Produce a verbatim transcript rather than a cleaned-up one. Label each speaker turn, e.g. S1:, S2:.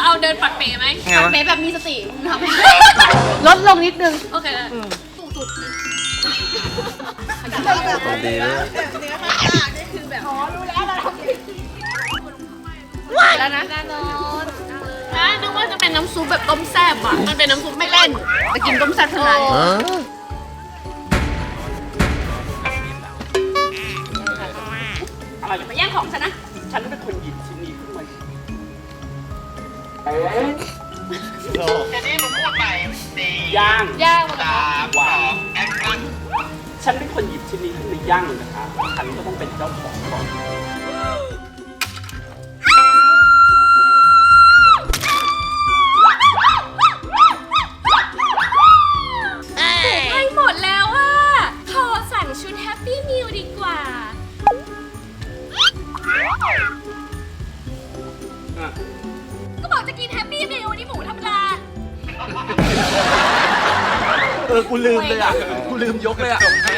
S1: เราเดินปัดเป๋ไหม
S2: ไงวะ
S1: ปัดเป๋แบบมีสติทำให้
S3: ลดลงนิดนึง
S1: โอเคได้สูงสุด
S2: ตัวดีเลย
S1: แล้วนะนะนึกว่าจะเป็นน้ำซุปแบบต้มแซ่บอ่ะมันเป็นน้ำซุปไม่เล่นแต่กินต้มแซ่บเท่านั้น
S4: อะไร
S1: อย่ามาแย่งของฉันนะ
S4: ฉันเป็นคนหยิบชิ้นนี้ขึ้นมา
S5: ทีนี้มึงพูดใหม่สี่
S4: ย่าง
S1: ย่างหมดแล้ว
S5: สามสองแอคชั่น
S4: ฉันเป็นคนหยิบชิ้นนี้ขึ้นมาย่างนะคะ ฉันก็ต้องเป็นเจ้าของก่อน
S1: ใกล้หมดแล้วอ่ะขอสั่งชุดแฮปปี้มิลดีกว่า
S4: อ่ะ
S1: ก็บอกจะกินแฮปปี้มิลนี่หมูธรรมดา
S2: เออ กูลืมเลยอ่ะ กูลืมยกเลยอ่ะ